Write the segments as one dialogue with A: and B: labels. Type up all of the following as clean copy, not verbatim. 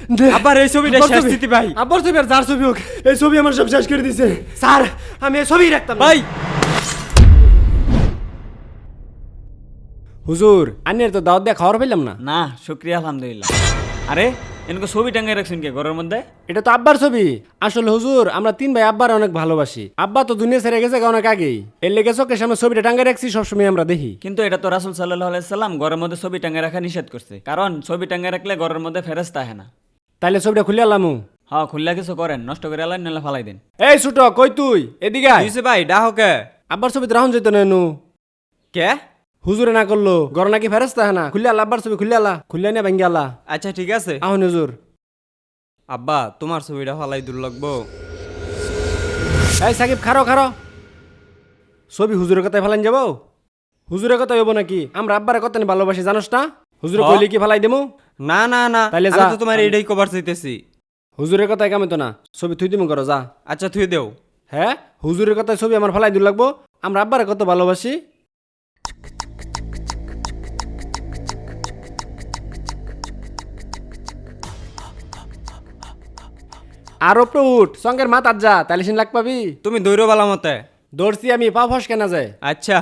A: আবার এই ছবিটা শেষ দিতে ভাই।
B: আব্বার ছবি আর যার ছবি হোক, এই ছবি আমার সব শেষ করে দিছে স্যার। আমি এই ছবি রাখতাম
A: ভাই
B: হুজুর, আন্নের তো দাওয়াত দিয়ে খাওয়ার পেলাম না।
A: না, শুকরিয়া আলহামদুলিল্লাহ। আরে এনকে ছবি টাঙ্গাই রাখছেন কে ঘরের মধ্যে?
B: এটা তো আব্বার ছবি। আসলে হুজুর, আমরা 3 ভাই আব্বার অনেক ভালোবাসি। আব্বা তো দুনিয়া ছেড়ে গেছে অনেক আগেই, এর লেগে চোখের সামনে ছবিটা টাঙ্গাই রাখছি, সবসময় আমরা দেখি।
A: কিন্তু এটা তো রাসূল সাল্লাল্লাহু আলাইহি সাল্লাম ঘরের মধ্যে ছবি টাঙ্গাই রাখা নিষেধ করছে, কারণ ছবি টাঙ্গাই রাখলে ঘরের মধ্যে ফেরেশতা আসে না।
B: তাইলে ছবিটা খুলে আলামু।
A: হ্যাঁ, খুললা কিছু করেন, নষ্ট করে আলাই নাহলে ফালাই দেন।
B: এই ছোট, কই তুই? এদিকে আয়।
A: দিছে ভাই ডাহ কে?
B: আব্বার ছবিতে রাহুন যেত না এনু।
A: কে?
B: হুজুরে না করলো, ঘর নাকি ফেরেশতা হয় না। খুলে আলা আব্বার ছবি, খুলে আলা, খুলে না ভাঙ্গি আলা।
A: আচ্ছা ঠিক আছে।
B: আহুন হুজুর।
A: আব্বা তোমার ছবিটা ফালাই দূর লাগবো।
B: এই সাকিব, খারো খারো। ছবি হুজুরের কথায় ফালাইন যাবো? হুজুরের কথা হইব নাকি? আমরা আব্বারের কথা নিয়ে ভালোবাসি, জানোস না? হুজুরে কইলে কি ফালাই দেবো?
A: না না না,
B: তাইলে
A: আমি
B: যা।
A: তো তোমার এটাই কভার চাইতেছি।
B: হুজুরের কথায় কামে তো না, ছবি থুই দিমু, করো যা।
A: আচ্ছা থুই দেও।
B: হ্যাঁ, হুজুরের কথায় ছবি আমার ফালাই দূর লাগবো? আমরা আব্বারের কত ভালোবাসি। আরো উঠ, সঙ্গের মাথার যা, তাইলে সিন লাগ পাবি।
A: তুমি দৌড়ো বালা মতে।
B: দৌড়ছি আমি, পা ফস কেনা যায়।
A: আচ্ছা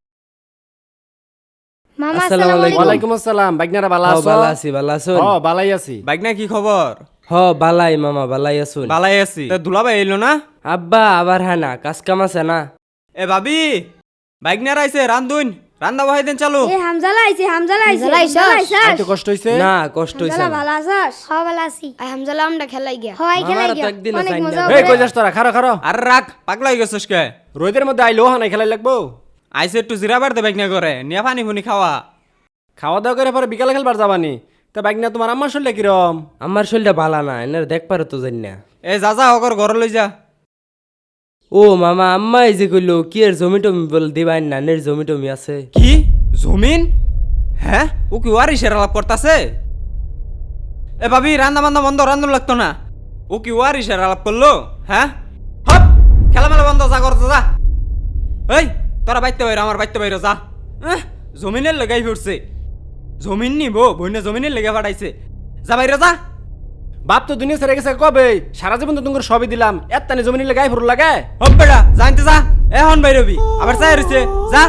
C: মামা
D: আসসালামু
C: আসসালামু
D: আলাইকুম।
C: আলাইকুম।
B: ওয়ালাইকুম আসসালাম। বাইকনারা বালা আছো?
D: বালা আছি, বালা আছুন?
B: হ, বালাই আছি।
A: বাইক না কি খবর?
D: হ বালাই মামা, বালাই আছুন?
A: বালাই আছি। তা দুলাভাই এলো না?
D: আব্বা আবার হ্যাঁ না, কাজ কাম আছে না?
A: এ ভাবি, বাইক না রাইছে রান্ধুন, রান্দা বহাই দেন চালু।
C: এ হামজালা আইছে, হামজালা আইছে।
B: আইতে কষ্ট হইছে?
D: না কষ্ট হইছে
C: হামজালা
D: না।
C: ভালো আছস? হ্যাঁ ভালো আছি। আই হামজালা আমরা খেলাই গিয়া। হয় খেলাই
D: মামারা তো
C: গিয়া।
D: একদিনও
C: অনেক
D: চাই না।
C: মজা
B: এই
C: হবে।
B: কই যাস তোরা? খারো খারো।
A: আর রাখ, পাগলা হয়ে গেছিস কে?
B: রোদের মধ্যে আইলো হানাই খেলাই লাগবো।
A: আইসে একটু জিরা বাড়তে বাইক না করে, নিয়ে পানি ফুনি খাওয়া।
B: খাওয়া দাওয়া করে পরে বিকালে খেলবার যাবানি। তা বাইক না তোমার আম্মার শরীরে কিরম?
D: আমার শরীরটা বালা না, এনার দেখ পারো তো জানি না।
A: এ যা যা হকর ঘর লই যা।
D: ও মামা, আম্মা এই যে কইলো কি এর জমি টমি বল দিবাই না, নের জমি টমি আছে?
A: কি জমিন? হ্যাঁ, ও কি ওয়ারিসের আলাপ করতেছে? এ ভাবি, রান্না বান্না বন্ধ, রান্ধন লাগতো না। ও কি ওয়ারিসের আলাপ করলো? হ্যাঁ, হপ, খেলামেলা বন্ধ, যা করতে যা। এই তোরা বাইতে বাইরে, আমার বাইতে বাইরে যা। জমিনের লেগাই ফিরছে। জমিন নিব বইনে, জমিনের লেগে ফাটাইছে। যা বাইরে যা।
B: বাপ তো দুনিয়া ছেড়ে গেছে কবে? সারা জীবন তো তোমার সবই দিলাম, এত তানি জমি নিলে গায়ে ফুরু লাগে।
A: হপ বেটা, জানতে যা। এখন বাইরবি, আবার চাই রয়েছে, যা।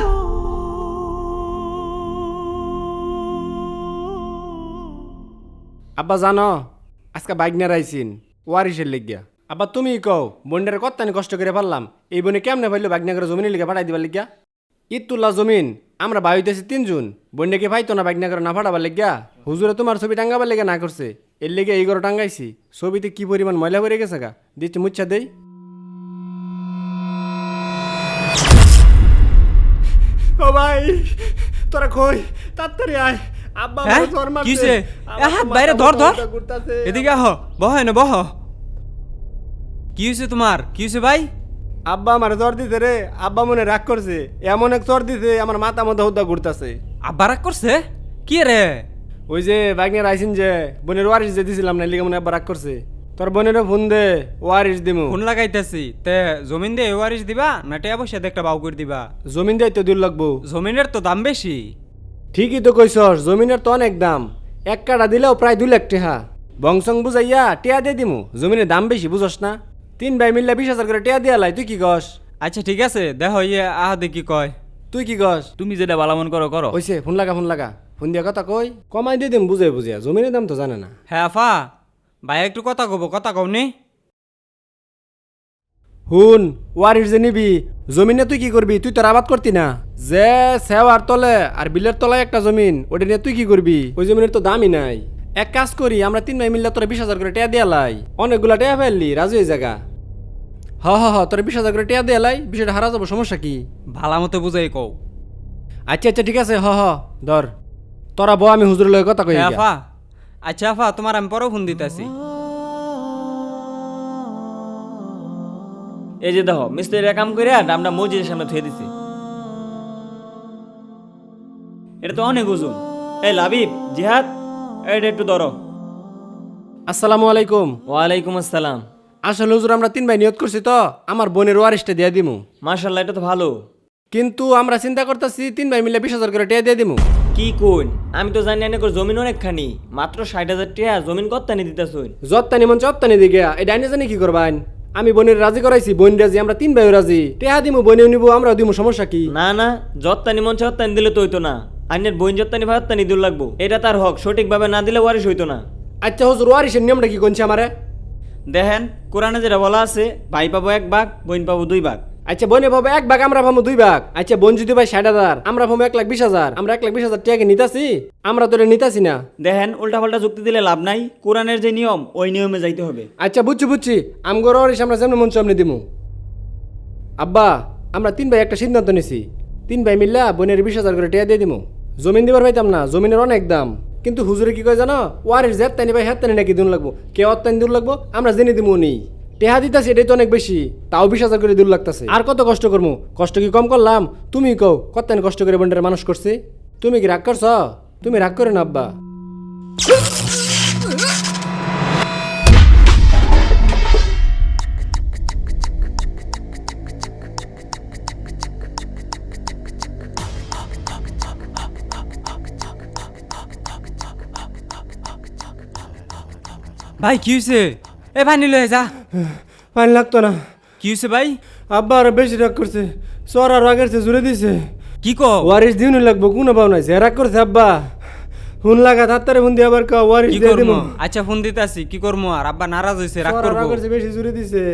B: আব্বা জানো, আজকে বাইক নিয়ে রাইছিন ওয়ারিসের লেগিয়া। আব্বা তুমি কও, বন্ডারে কত্তানি কষ্ট করে পারলাম, এই বনে কেমনে পাইলো বাইক নিয়ে করে জমিনের লেগে ফাটাই দিবার লেগিয়া? ইতুল্লা জমিন আমরা বাই হইতেছি 3 জন, বন্ডাকে পাইতো না বাইক নিয়ে করে না ফাটাবার লেগিয়া। হুজুরে তোমার ছবি টাঙ্গাবার লেগে না করছে, এর লেগে এই ঘরে টাঙ্গাইছি। ছবিতে কি পরিমাণ ময়লা পড়ে গেছে গা, দিচ্ছি মুচ্ছা দেই। ও ভাই, তোরা কই? তাড়াতাড়ি আয়, আব্বা
A: হ্যাঁ?
B: আমারে জ্বর মারছে।
A: কিসে?
B: আমার
A: হাত
B: তো
A: বাইরে
B: মাথা
A: ধর, ধর।
B: ব্যথা করতাছে।
A: এদিকে আহ, বহ না বহ। কি হয়েছে তোমার? কি হয়েছে ভাই?
B: আব্বা আমার জ্বর দিছে রে। আব্বা মনে রাগ করছে, এমন এক জ্বর দিছে আমার মাথা মধ্যে হুদ্দা ঘুরতাছে।
A: আব্বা রাগ করছে? কি রে?
B: ওই যে বাগনের আইসিন যে বোনের ওয়ারিস যে দিছিলাম না, লিগে মনে আব্বা রাগ করছে। তোর বোনেরও ফোন দে, ওয়ারিস দিমু।
A: ফোন লাগাইতেছি। তে জমিন দিয়ে ওয়ারিস দিবা না টিয়া পয়সা দিয়ে একটা বাউ করে দিবা?
B: জমিন দিয়ে তো দূর লাগবো।
A: জমিনের তো দাম বেশি।
B: ঠিকই তো কইছস, জমিনের তো অনেক দাম। 1 কাঠা দিলেও প্রায় 2 লাখ টাকা। বংশং বুঝাইয়া টিয়া দিয়ে দিমু, জমিনের দাম বেশি বুঝস না। 3 ভাই মিললে 20,000 করে টিয়া দিয়া লাই, তুই কি কস?
A: আচ্ছা ঠিক আছে, দেখো ইয়ে আহ দেখি কয়।
B: তুই কি কস?
A: তুমি যেটা বালা মন করো করো।
B: ওইসে ফোন লাগা, ফোন লাগা। ফোন দিয়া কথা কই, কমাই দিয়ে দিম বুঝে বুঝিয়া, জমিনের দাম তো জানে না।
A: হ্যাঁ আফা, ভাই একটু কথা কব, কথা কওনি?
B: হুন, ওয়ারিস যে নিবি, জমিনে তুই কি করবি? তুই তোর আবাদ করতি না? যে সেওয়ার তলে আর বিলের তলায় একটা জমিন, ওটা নিয়ে তুই কি করবি? ওই জমিনের তো দামই নাই। এক কাজ করি, আমরা 3 ভাই মিললে তোরা 20,000 করে টিয়া দিয়া লাই। অনেকগুলা টিয়া ফেললি, রাজু এই জায়গা। হ তোরা 20,000 করে টিয়া দিয়া লাই, বিষয়টা হারা যাবো, সমস্যা কি?
A: ভালা মতো বুঝাই কও।
B: আচ্ছা আচ্ছা ঠিক আছে, ধর তোরা বউ, আমি হুজুরের লগে কথা কই।
A: হ্যাঁ আফা, আচ্ছা আফা, তোমার আমি পরেও ফোন দিতেছি। এই যে দেখো, মিস্ত্রিরা কাম করে আমরা মসজিদের সামনে থুয়ে দিছি। এটা তো অনেক ওজন। এই লাবিব, জিহাদ, এটা একটু ধরো।
B: আসসালামু আলাইকুম।
A: ওয়ালাইকুম আসসালাম।
B: আসলে হুজুর, আমরা 3 ভাই নিয়ত করছি তো, আমার বোনের ওয়ারিসটা দিয়া দিমু।
A: মাশাআল্লাহ, এটা তো ভালো।
B: কিন্তু আমরা চিন্তা করতেছি 3 ভাই মিলে 20,000 করে টিয়া দিয়ে দিমু।
E: কি কোন আমি তো জানি না জমিন অনেকখানি মাত্র 60,000 টাকা জমিন কত্তানি দিতেছুন।
B: যত্তানি মন চত্তানি দিকে এই ডাইনে জানি কি করবান আমি বোনের রাজি করাইছি বোন রাজি আমরা 3 ভাই রাজি টেহা দিমু বোনেও নিবো আমরাও দিমু সমস্যা কি
E: না না যত্তানি মন চত্তানি দিলে তো হইতো না, আইনের বইন যত্তানি ভাত্তানি দূর লাগবো, এটা তার হক, সঠিকভাবে না দিলে ওয়ারিশ হইতো না।
B: আচ্ছা হুজুর ওয়ারিশের নিয়মটা কি কোনছে আমারে
E: দেখেন কোরআনে যেটা বলা আছে ভাই পাবো 1 ভাগ বইন পাবো 2 ভাগ।
B: আচ্ছা বোনে ভাবে 1 ভাগ আমরা ভাবো 2 ভাগ আচ্ছা বোন যদি ভাই 60,000 আমরা ভাবো 1,20,000 আমরা 1,20,000 টাকা নিতাছি আমরা তো নিতাছি না।
E: দেখেন উল্টাপাল্টা যুক্তি দিলে লাভ নাই, কোরআনের যে নিয়ম ওই নিয়মে যাইতে হবে।
B: আচ্ছা বুঝছি আমগর ওয়ারিশ আমরা যেমন মন চামনে দিমু। আব্বা আমরা 3 ভাই একটা সিদ্ধান্ত নিছি 3 ভাই মিল্লা বোনের 20,000 করে টাকা দিয়ে দিমু। জমিন দিবার পাইতাম না, জমিনের অনেক দাম, কিন্তু হুজুরে কি কয় জানো ওয়ারিশ জেত তানি ভাই হেত তানি নাকি দিন লাগবো কে অত্যানি দূর লাগবো আমরা জেনে দিমু নি টেহা দিতাছি এটাই তো অনেক বেশি, তাও 20,000 করে দূর লাগতাছে। আর কত কষ্ট করবো, কষ্ট কি কম করলাম? তুমি কও কত্তানি কষ্ট করে বোনটারে মানুষ করছি, তুমি কি রাগ করছ? তুমি রাগ করে না আব্বা।
A: ভাই কি হয়েছে? এ ভাই নিলে যা।
B: পানি লাগতো না।
A: কি হয়েছে ভাই?
B: আব্বা আর বেশি রাগ করছে, সর আর রাগের চেয়ে জুড়ে দিছে।
A: কি কো?
B: ওয়ারিশ দিউনি লাগবো কোনো পাও নাই, যে রাগ করছে আব্বা হুন লাগা তাত্তারে ফোন দিয়ে আবার কও ওয়ারিশ
A: কি
B: দিয়ে
A: করবো?
B: দিমু।
A: আচ্ছা ফোন দিতাছি, কি করবো আর? আব্বা নারাজ হইছে, রাগ
B: সর আর
A: করবো।
B: রাগের চেয়ে বেশি জুড়ে দিছে,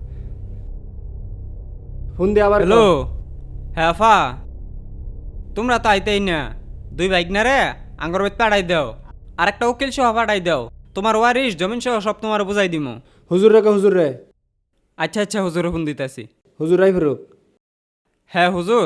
B: ফোন দিয়ে আবার
A: হ্যালো, হ্যাঁ আফা, তোমরা তো আইতেই না, 2 বাইক না রে আঙ্গর বেত পাঠাই দাও, আর একটা উকিল সহ পাঠাই দাও, তোমার ওয়ারিশ জমিন সহ সব তোমার বুঝাই দিমু।
B: হুজুর রে হুজুর রে।
A: আচ্ছা আচ্ছা হুজুর ফোন দিতাছি।
B: হুজুর রাই ফেরুক।
A: হ্যাঁ হুজুর।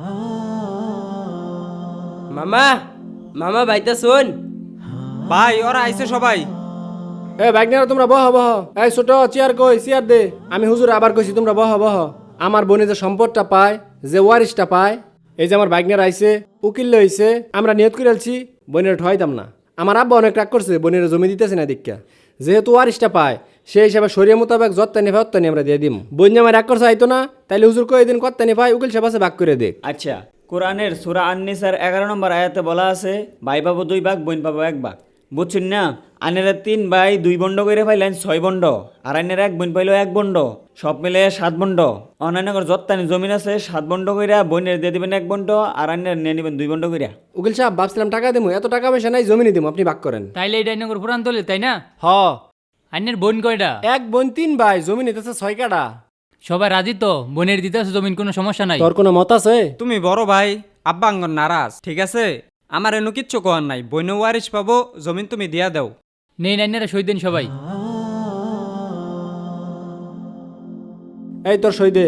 D: মামা মামা বাইতা শোন।
A: ভাই ওরা আইছে সবাই।
B: এ বাইকনারা তোমরা বহ এই ছোট চেয়ার কই, চেয়ার দে। আমি হুজুর আবার কইছি তোমরা বহ আমার বোনে যে সম্পদটা পায়, যে ওয়ারিশটা পায়, এই যে আমার বাইকনার আইছে উকিল হইছে, আমরা নিয়ত করে আলছি বোনের ঠয়াইতাম না। আমার আব্বা অনেক রাগ করছে বোনের জমি দিতেছে না দীক্ষা, যেহেতু ওয়ারিশটা পায় সেই হিসাবে শরীয় মোতাবেক যত্তানি ভাই অত্তানি আমরা দিয়ে দিম। বোন আমার রাগ করছে আইতো না, তাইলে হুজুর কই দিন কত্তানি ভাই উকিল সাহেব আছে ভাগ করে দেখ।
E: আচ্ছা কোরআনের সূরা আন-নিসার 11 নম্বর আয়াতে বলা আছে ভাই পাবো 2 ভাগ বইন পাবো 1 ভাগ, বুঝছেন না? আনেরা 3 ভাই 2 বন্ড করে পাইলেন 6 বন্ড, আর আইনের 1 বইন পাইলো 1 বন্ড, সব মিলে 7 বন্ড। অন্যান্য যত্তানি জমিন আছে 7 বন্ড কইরা বইনের দিয়ে দিবেন 1 বন্ড, আর আইনের নিয়ে নিবেন 2 বন্ড কইরা।
B: উকিল সাহেব ভাবছিলাম টাকা দেবো, এত টাকা পয়সা নাই, জমিনি দিবো, আপনি ভাগ করেন।
F: তাইলে এই ডাইনগর পুরান তলে তাই না?
B: হ
F: আইনের বোন কয়টা?
B: 1 বোন 3 ভাই, জমি নিতেছে 6 কাটা।
F: সবাই রাজি তো? বোনের দিতে আছে জমিন, কোনো সমস্যা নাই?
B: তোর কোনো মত আছে?
A: তুমি বড় ভাই, আব্বা আঙ্গর নারাজ, ঠিক আছে? আমার এনো কিচ্ছু কোয়ার নাই, বইন ওয়ারিশ পাবো, জমিন তুমি দিয়া দাও।
F: নেই নাইনারা সই দেন সবাই।
B: এই তোর সই দে।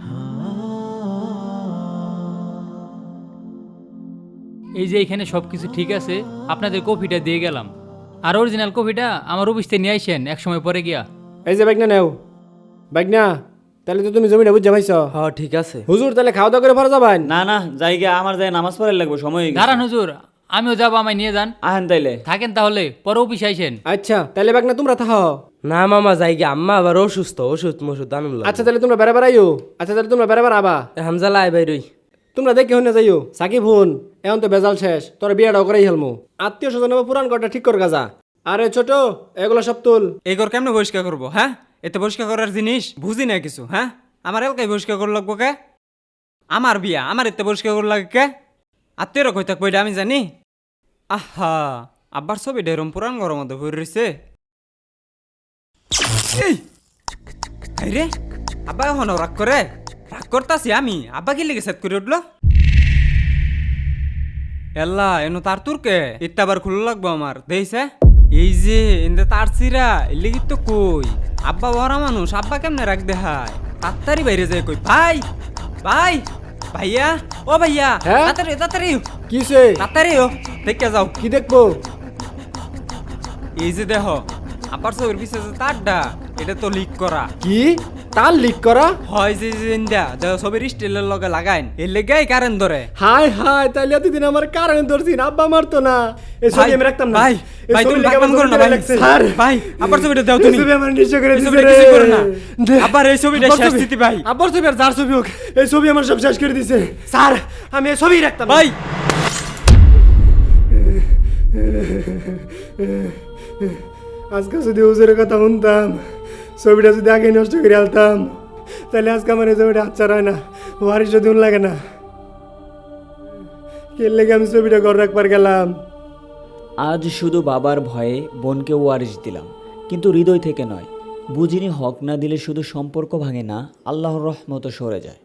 F: এই যে এখানে সবকিছু ঠিক আছে, আপনাদের কপিটা দিয়ে গেলাম, আর অরিজিনাল কপিটা আমার অফিস থেকে নিয়ে আইসেন এক সময় পরে গিয়া।
B: এই যে বাইকনা নেও, বাইকনা তাহলে তো তুমি জমিটা বুঝা পাইছ।
D: হ্যাঁ ঠিক আছে।
B: হুজুর তাহলে খাওয়া দাওয়া করে ফেরা যাবেন?
E: না না জায়গা আমার যায় নামাজ পড়ার লাগবে, সময় হয়ে গেছে।
F: দাঁড়ান হুজুর, আমিও যাবো, আমায় নিয়ে যান।
E: আহেন তাইলে।
F: থাকেন তাহলে, পরে অফিসে আইসেন।
B: আচ্ছা তাহলে বাইকনা তোমরা থাকো।
D: না মামা যাইগে, আম্মা আবার অসুস্থ, ওষুধ মষুধ আনুন লাগবে।
B: আচ্ছা তাহলে তোমরা বেড়াবার আইও। আচ্ছা তাহলে তোমরা বেড়াবার আবা।
D: হামজালা আই বাইরই।
B: তোমরা দেখে হনে যাইও। সাকিব হুন, এখন তো বেজাল শেষ, তোর বিয়েটাও করাই হেলমু। আত্মীয় স্বজন পুরান ঘরটা ঠিক কর গাজা। আরে ছোট এগুলো সব তুল।
A: এই ঘর কেমনে পরিষ্কার করবো? হ্যাঁ, এতে পরিষ্কার করার জিনিস বুঝি না কিছু। হ্যাঁ, আমার এলাকায় পরিষ্কার করে লাগবো কে? আমার বিয়া, আমার এতে পরিষ্কার করে লাগে কে? আত্মীয়রা কই থাকবো এটা আমি জানি? আহা, আব্বার ছবি ডেরম পুরান ঘরের মধ্যে ভরে রয়েছে। এই রে, আব্বা এখন রাগ করে? রাগ করতাছি আমি, আব্বা কি লেগে সেট করে উঠলো? এল্লা এনো তার তুরকে ইত্তা আবার খুলে লাগবো আমার দেইছে। এই যে এনতে তার চিরা এলিগি তো কই আব্বা বড় মানুষ, আব্বা কেমনে রাখ দেখায়? তাড়াতাড়ি বাইরে যায় কই ভাই, ভাই, ভাইয়া, ও ভাইয়া,
B: হ্যাঁ?
A: তাড়াতাড়ি তাড়াতাড়ি
B: কিসে?
A: তাড়াতাড়ি ও দেখে যাও।
B: কি দেখবো?
A: এই যে দেখো আব্বার চোখের পিছে যে তারটা, এটা তো লিক করা।
B: কি তার লিক করা?
A: হয় যে ইন্দা দেখো ছবির স্টিলের লগে লাগাইন, এর লেগাই কারেন্ট ধরে।
B: হাই হাই, তাইলে এতদিন আমার কারেন্ট ধরছিন, আব্বা মারতো না। এই ছবি আমি রাখতাম না।
A: ভাই,
B: এই
A: ভাই
B: ছবি
A: তুমি
B: লেগে
A: ভাগবান
B: আমার
A: করো না
B: জমিটা
A: ভাই।
B: লাগছে।
A: স্যার ভাই, আবার ছবিটা দাও
B: এই
A: তুমি।
B: ছবি আমার নিশ্চয় করে
A: এই
B: দিছে
A: ছবিটা
B: রে।
A: কিছু করো না।
B: দে।
A: আবার এই ছবিটা
B: আব্বার
A: শেষ
B: ছবি।
A: স্মৃতি ভাই।
B: আব্বার ছবি আর যার ছবি হোক, এই ছবি আমার সব শেষ করে দিছে। স্যার আমি এই ছবি রাখতাম না।
A: ভাই
B: আজকে যদি হুজুরের কথা শুনতাম, ছবিটা যদি আগে নষ্ট করে আলতাম, তাহলে আজকে আমার এই ছবিটা আচ্ছা হয় না, ওয়ারিশ যদি লাগে না। কে লেগে আমি ছবিটা ঘর রাখবার গেলাম।
E: আজ শুধু বাবার ভয়ে বোনকে ওয়ারিশ দিলাম, কিন্তু হৃদয় থেকে নয়। বুঝিনি হক না দিলে শুধু সম্পর্ক ভাঙে না, আল্লাহর রহমতও সরে যায়।